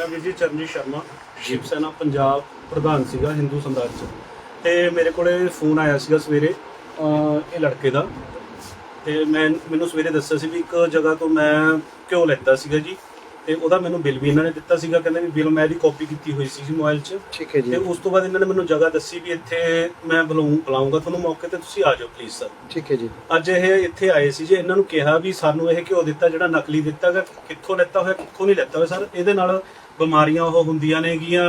ਮੇਰਾ ਵੀਰ ਜੀ ਚਰਨਜੀਤ ਸ਼ਰਮਾ ਸ਼ਿਵ ਸੈਨਾ ਪੰਜਾਬ ਪ੍ਰਧਾਨ ਸੀਗਾ ਹਿੰਦੂ ਸਮਰਾਜ 'ਚ। ਤੇ ਮੇਰੇ ਕੋਲੇ ਫੋਨ ਆਇਆ ਸੀਗਾ ਸਵੇਰੇ ਇਹ ਲੜਕੇ ਦਾ, ਤੇ ਮੈਨੂੰ ਸਵੇਰੇ ਦੱਸਿਆ ਸੀ ਵੀ ਇੱਕ ਜਗ੍ਹਾ ਤੋਂ ਮੈਂ ਘਿਓ ਲੈਤਾ ਸੀਗਾ ਜੀ, ਤੇ ਉਹਦਾ ਮੈਨੂੰ ਬਿੱਲ ਵੀ ਇਹਨਾਂ ਨੇ ਦਿੱਤਾ ਸੀਗਾ। ਕਹਿੰਦੇ ਵੀ ਬਿੱਲ ਮੈਂ ਇਹਦੀ ਕਾਪੀ ਕੀਤੀ ਹੋਈ ਸੀ ਮੋਬਾਈਲ 'ਚ। ਠੀਕ ਹੈ ਜੀ। ਤੇ ਉਸ ਤੋਂ ਬਾਅਦ ਇਹਨਾਂ ਨੇ ਮੈਨੂੰ ਜਗ੍ਹਾ ਦੱਸੀ ਵੀ ਇੱਥੇ ਮੈਂ ਬੁਲਾਉਂਗਾ ਤੁਹਾਨੂੰ ਮੌਕੇ ਤੇ, ਤੁਸੀਂ ਆ ਜਾਓ ਪਲੀਜ਼ ਸਰ। ਠੀਕ ਹੈ ਜੀ। ਅੱਜ ਇਹ ਇੱਥੇ ਆਏ ਸੀ ਜੀ, ਇਹਨਾਂ ਨੂੰ ਕਿਹਾ ਵੀ ਸਾਨੂੰ ਇਹ ਘਿਓ ਦਿੱਤਾ ਜਿਹੜਾ ਨਕਲੀ ਦਿੱਤਾ ਗਾ, ਕਿੱਥੋਂ ਲੈਤਾ ਹੋਇਆ ਕਿੱਥੋਂ ਨਹੀਂ ਲੈਤਾ ਹੋਇਆ ਸਰ, ਇਹਦੇ ਨਾਲ ਬਿਮਾਰੀਆਂ ਉਹ ਹੁੰਦੀਆਂ ਨੇਗੀਆਂ।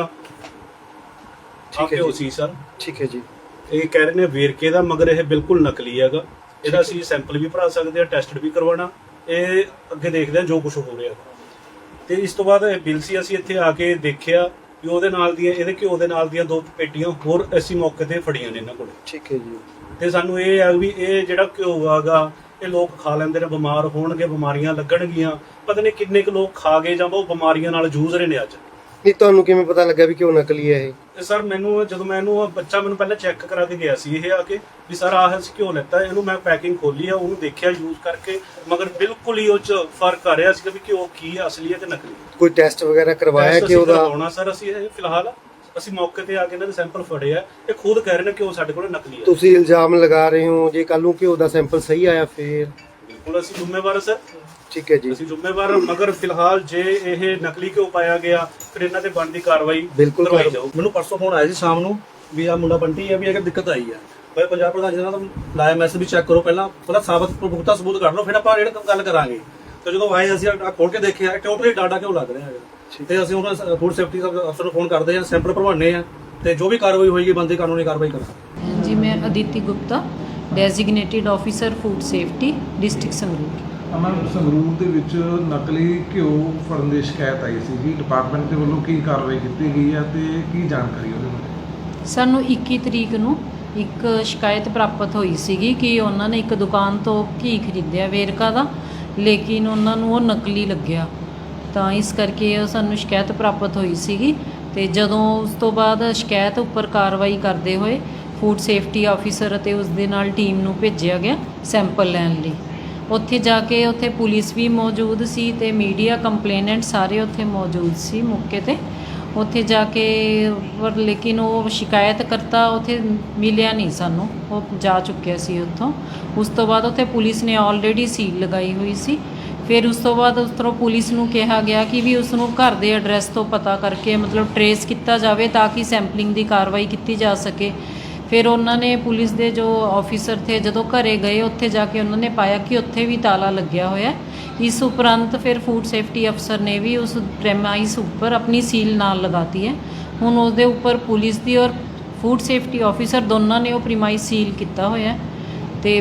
ਠੀਕ ਹੈ ਘਿਓ ਜੀ। ਸੀ ਸਰ। ਠੀਕ ਹੈ ਜੀ। ਇਹ ਕਹਿ ਰਹੇ ਨੇ ਵੇਰਕੇ ਦਾ, ਮਗਰ ਇਹ ਬਿਲਕੁਲ ਨਕਲੀ ਹੈਗਾ। ਇਹਦਾ ਅਸੀਂ ਸੈਂਪਲ ਵੀ ਭਰਾ ਸਕਦੇ ਆ, ਟੈਸਟ ਵੀ ਕਰਵਾਉਣਾ। ਇਹ ਅੱਗੇ ਦੇਖਦੇ ਆ ਜੋ ਕੁਝ ਹੋ ਰਿਹਾ। ਤੇ ਇਸ ਤੋਂ ਬਾਅਦ ਇਹ ਬਿੱਲ ਸੀ, ਅਸੀਂ ਇੱਥੇ ਆ ਕੇ ਦੇਖਿਆ ਵੀ ਉਹਦੇ ਨਾਲ ਦੀਆਂ, ਇਹਦੇ ਘਿਓ ਦੇ ਨਾਲ ਦੀਆਂ 2 ਪੇਟੀਆਂ ਹੋਰ ਅਸੀਂ ਮੌਕੇ ਤੇ ਫੜੀਆਂ ਨੇ ਇਹਨਾਂ ਕੋਲ। ਠੀਕ ਹੈ ਜੀ। ਤੇ ਸਾਨੂੰ ਇਹ ਆ ਵੀ ਇਹ ਜਿਹੜਾ ਘਿਓ ਆਗਾ ਇਹ ਲੋਕ ਖਾ ਲੈਂਦੇ ਨੇ, ਬਿਮਾਰ ਹੋਣਗੇ, ਬਿਮਾਰੀਆਂ ਲੱਗਣਗੀਆਂ। ਪਤਾ ਨਹੀਂ ਕਿੰਨੇ ਕੁ ਲੋਕ ਖਾ ਗਏ ਜਾਂ ਉਹ ਬਿਮਾਰੀਆਂ ਨਾਲ ਜੂਝ ਰਹੇ ਨੇ ਅੱਜ। ਨਹੀਂ, ਤੁਹਾਨੂੰ ਕਿਵੇਂ ਪਤਾ ਲੱਗਾ ਵੀ ਕਿਉਂ ਨਕਲੀ ਹੈ ਇਹ? ਸਰ ਮੈਨੂੰ ਜਦੋਂ ਬੱਚਾ ਮੈਨੂੰ ਪਹਿਲਾਂ ਚੈੱਕ ਕਰਾ ਕੇ ਗਿਆ ਸੀ ਇਹ ਆ ਕੇ ਵੀ ਸਰ ਆਹ ਅਸੀਂ ਘਿਓ ਲੈਤਾ। ਇਹਨੂੰ ਮੈਂ ਪੈਕਿੰਗ ਖੋਲੀ ਆ, ਉਹਨੂੰ ਦੇਖਿਆ ਯੂਜ਼ ਕਰਕੇ, ਮਗਰ ਬਿਲਕੁਲ ਹੀ ਉਹ ਚ ਫਰਕ ਆ ਰਿਹਾ ਸੀ ਵੀ ਘਿਓ ਕੀ ਹੈ, ਅਸਲੀ ਹੈ ਕਿ ਨਕਲੀ। ਕੋਈ ਟੈਸਟ ਵਗੈਰਾ ਕਰਵਾਇਆ ਕਿ ਉਹਦਾ? ਕਰਵਾਉਣਾ ਸਰ ਅਸੀਂ ਇਹ ਫਿਲਹਾਲ ਅਸੀਂ ਮੌਕੇ ਤੇ ਆ ਕੇ ਇਹਨਾਂ ਦੇ ਸੈਂਪਲ ਫੜੇ ਆ। ਇਹ ਖੁਦ ਕਹਿ ਰਹੇ ਨੇ ਕਿ ਉਹ ਸਾਡੇ ਕੋਲ ਨਕਲੀ ਹੈ। ਤੁਸੀਂ ਇਲਜ਼ਾਮ ਲਗਾ ਰਹੇ ਹੋ, ਜੇ ਕੱਲ ਨੂੰ ਘਿਓ ਦਾ ਸੈਂਪਲ ਸਹੀ ਆਇਆ ਫਿਰ? ਬਿਲਕੁਲ ਅਸੀਂ ਜ਼ਿੰਮੇਵਾਰ ਸਰ। ਠੀਕ ਹੈ ਜੀ। ਅਸੀਂ ਜ਼ਿੰਮੇਵਾਰ, ਮਗਰ ਫਿਲਹਾਲ ਜੇ ਇਹ ਨਕਲੀ ਘਿਓ ਪਾਇਆ ਗਿਆ ਫਿਰ ਇਹਨਾਂ ਤੇ ਬਣਦੀ ਕਾਰਵਾਈ ਬਿਲਕੁਲ ਕਰਵਾਈ ਜਾਊ। ਮੈਨੂੰ ਪਰਸੋਂ ਫੋਨ ਆਇਆ ਸੀ ਸ਼ਾਮ ਨੂੰ ਵੀ ਆ ਮੁੰਡਾ ਬੰਟੀ ਹੈ, ਵੀ ਇਹ ਦਿੱਕਤ ਆਈ ਹੈ। ਭਾਈ ਪੰਜਾਬ ਪ੍ਰਧਾਨ ਜੀ ਨਾਲ ਲਾਇਆ ਮੈਸੇਜ ਵੀ ਚੈੱਕ ਕਰੋ, ਪਹਿਲਾਂ ਸਾਬਤ ਪੁਖਤਾ ਸਬੂਤ ਕਰ ਲਓ, ਫਿਰ ਆਪਾਂ ਜਿਹੜਾ ਗੱਲ ਕਰਾਂਗੇ। ਤੇ ਜਦੋਂ ਆਏ ਅਸੀਂ ਖੋਲ ਕੇ ਦੇਖਿਆ ਟੋਟਲੀ ਡਾਟਾ ਕਿਉਂ ਲੱਗ ਰਿਹਾ ਹੈ। ਤੇ ਅਸੀਂ ਉਹਨਾਂ ਫੂਡ ਸੇਫਟੀ ਅਫਸਰ ਨੂੰ ਫੋਨ ਕਰਦੇ ਹਾਂ, ਸੈਂਪਲ ਭਰਵਾਉਂਦੇ ਹਾਂ, ਤੇ ਜੋ ਵੀ ਕਾਰਵਾਈ ਹੋਏਗੀ ਬੰਦੀ ਕਾਨੂੰਨੀ ਕਾਰਵਾਈ ਕਰਾਂਗੇ। जी, मैं Aditi Gupta, designated officer food safety district Sangrur. Ma'am Sangrur ਦੇ ਵਿੱਚ ਨਕਲੀ ਘਿਓ ਫੜਨ ਦੀ ਸ਼ਿਕਾਇਤ ਆਈ ਸੀ ਜੀ, ਡਿਪਾਰਟਮੈਂਟ ਦੇ ਵੱਲੋਂ ਕੀ ਕਾਰਵਾਈ ਕੀਤੀ ਗਈ ਹੈ ਤੇ ਕੀ ਜਾਣਕਾਰੀ ਉਹਦੇ ਬਾਰੇ? ਸਾਨੂੰ 21 ਤਰੀਕ ਨੂੰ ਇੱਕ ਸ਼ਿਕਾਇਤ ਪ੍ਰਾਪਤ ਹੋਈ ਸੀਗੀ ਕਿ ਉਹਨਾਂ ਨੇ ਇੱਕ ਦੁਕਾਨ ਤੋਂ ਘੀ ਖਰੀਦਿਆ ਵੇਰਕਾ ਦਾ, ਲੇਕਿਨ ਉਹਨਾਂ ਨੂੰ ਉਹ ਨਕਲੀ ਲੱਗਿਆ। ਤਾਂ ਇਸ ਕਰਕੇ ਉਹ ਸਾਨੂੰ ਸ਼ਿਕਾਇਤ ਪ੍ਰਾਪਤ ਹੋਈ ਸੀਗੀ। ਤੇ ਜਦੋਂ ਉਸ ਤੋਂ ਬਾਅਦ ਸ਼ਿਕਾਇਤ ਉੱਪਰ ਕਾਰਵਾਈ ਕਰਦੇ ਹੋਏ ਫੂਡ ਸੇਫਟੀ ਆਫੀਸਰ ਅਤੇ ਉਸ ਦੇ ਨਾਲ ਟੀਮ ਨੂੰ ਭੇਜਿਆ ਗਿਆ ਸੈਂਪਲ ਲੈਣ ਲਈ। ਉੱਥੇ ਜਾ ਕੇ ਉੱਥੇ ਪੁਲਿਸ ਵੀ ਮੌਜੂਦ ਸੀ ਤੇ ਮੀਡੀਆ, ਕੰਪਲੇਨੈਂਟ ਸਾਰੇ ਉੱਥੇ ਮੌਜੂਦ ਸੀ ਮੌਕੇ ਤੇ। ਉੱਥੇ ਜਾ ਕੇ ਪਰ ਲੇਕਿਨ ਉਹ ਸ਼ਿਕਾਇਤਕਰਤਾ ਉੱਥੇ ਮਿਲਿਆ ਨਹੀਂ ਸਾਨੂੰ, ਉਹ ਜਾ ਚੁੱਕਿਆ ਸੀ ਉੱਥੋਂ। ਉਸ ਤੋਂ ਬਾਅਦ ਉੱਥੇ ਪੁਲਿਸ ਨੇ ਆਲਰੇਡੀ ਸੀਲ ਲਗਾਈ ਹੋਈ ਸੀ। ਫਿਰ ਉਸ ਤੋਂ ਬਾਅਦ ਉਸ ਤਰ੍ਹਾਂ ਪੁਲਿਸ ਨੂੰ ਕਿਹਾ ਗਿਆ ਕਿ ਵੀ ਉਸ ਨੂੰ ਘਰ ਦੇ ਐਡਰੈਸ ਤੋਂ ਪਤਾ ਕਰਕੇ ਮਤਲਬ ਟਰੇਸ ਕੀਤਾ ਜਾਵੇ ਤਾਂ ਕਿ ਸੈਂਪਲਿੰਗ ਦੀ ਕਾਰਵਾਈ ਕੀਤੀ ਜਾ ਸਕੇ। ਫਿਰ ਉਹਨਾਂ ਨੇ ਪੁਲਿਸ ਦੇ ਜੋ ਆਫੀਸਰ ਥੇ ਜਦੋਂ ਘਰੇ ਗਏ, ਉੱਥੇ ਜਾ ਕੇ ਉਹਨਾਂ ਨੇ ਪਾਇਆ ਕਿ ਉੱਥੇ ਵੀ ਤਾਲਾ ਲੱਗਿਆ ਹੋਇਆ। ਇਸ ਉਪਰੰਤ ਫਿਰ ਫੂਡ ਸੇਫਟੀ ਅਫਸਰ ਨੇ ਵੀ ਉਸ ਪ੍ਰੈਮਾਈਸ ਉੱਪਰ ਆਪਣੀ ਸੀਲ ਨਾਲ ਲਗਾਤੀ ਹੈ। ਹੁਣ ਉਹਦੇ ਉੱਪਰ ਪੁਲਿਸ ਦੀ ਔਰ ਫੂਡ ਸੇਫਟੀ ਆਫੀਸਰ ਦੋਨਾਂ ਨੇ ਉਹ ਪ੍ਰੈਮਾਈਸ ਸੀਲ ਕੀਤਾ ਹੋਇਆ। ਤੇ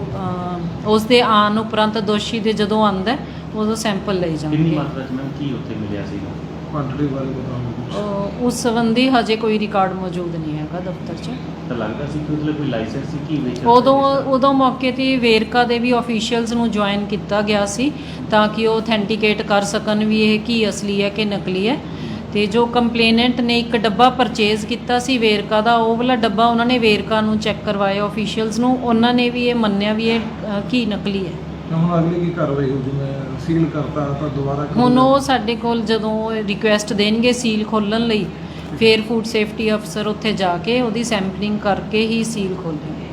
ਉਹ ਉਸ ਦੇ ਆਉਣ ਉਪਰੰਤ ਦੋਸ਼ੀ ਦੇ ਜਦੋਂ ਆਉਂਦਾ ਉਦੋਂ ਸੈਂਪਲ ਲਈ ਕਿੰਨੀ ਜਾਣਗੇ। ਮਾਤਰਾ 'ਚ ਮੈਮ ਕੀ ਉੱਥੇ ਮਿਲਿਆ ਸੀਗਾ? ਕੁਆਂਟੀਟੀ ਬਾਰੇ ਬਤਾਓ। ਉਸ ਸੰਬੰਧੀ ਹਜੇ ਕੋਈ ਰਿਕਾਰਡ ਮੌਜੂਦ ਨਹੀਂ ਹੈਗਾ ਦਫ਼ਤਰ 'ਚ। ਤਾਂ ਲੱਗਦਾ ਸੀ ਕਿ ਮਤਲਬ ਕੋਈ ਲਾਇਸੈਂਸ ਸੀ ਕੀ ਵੇਚ? ਉਦੋਂ ਮੌਕੇ ਤੇ ਵੇਰਕਾ ਦੇ ਵੀ ਆਫੀਸ਼ੀਅਲਸ ਨੂੰ ਜੁਆਇਨ ਕੀਤਾ ਗਿਆ ਸੀ ਤਾਂ ਕਿ ਉਹ ਅਥੈਂਟੀਕੇਟ ਕਰ ਸਕਣ ਵੀ ਇਹ ਕੀ ਅਸਲੀ ਹੈ ਕਿ ਨਕਲੀ ਹੈ। ਤੇ ਜੋ ਕੰਪਲੇਨੈਂਟ ਨੇ ਇੱਕ ਡੱਬਾ ਪਰਚੇਜ਼ ਕੀਤਾ ਸੀ ਵੇਰਕਾ ਦਾ, ਉਹ ਵਾਲਾ ਡੱਬਾ ਉਹਨਾਂ ਨੇ ਵੇਰਕਾ ਨੂੰ ਚੈੱਕ ਕਰਵਾਇਆ ਆਫੀਸ਼ੀਅਲਸ ਨੂੰ, ਉਹਨਾਂ ਨੇ ਵੀ ਇਹ ਮੰਨਿਆ ਵੀ ਇਹ ਕੀ ਨਕਲੀ ਹੈ। ਹੁਣ ਅਗਲੀ ਕੀ ਕਾਰਵਾਈ ਹੋਊ? ਜਿਵੇਂ ਸੀਲ ਕਰਤਾ ਤਾਂ ਦੁਬਾਰਾ ਹੁਣ ਉਹ ਸਾਡੇ ਕੋਲ ਜਦੋਂ ਰਿਕੁਐਸਟ ਦੇਣਗੇ ਸੀਲ ਖੋਲ੍ਹਣ ਲਈ, ਫਿਰ ਫੂਡ ਸੇਫਟੀ ਅਫਸਰ ਉੱਥੇ ਜਾ ਕੇ ਉਹਦੀ ਸੈਂਪਲਿੰਗ ਕਰਕੇ ਹੀ ਸੀਲ ਖੋਲ੍ਹਣਗੇ।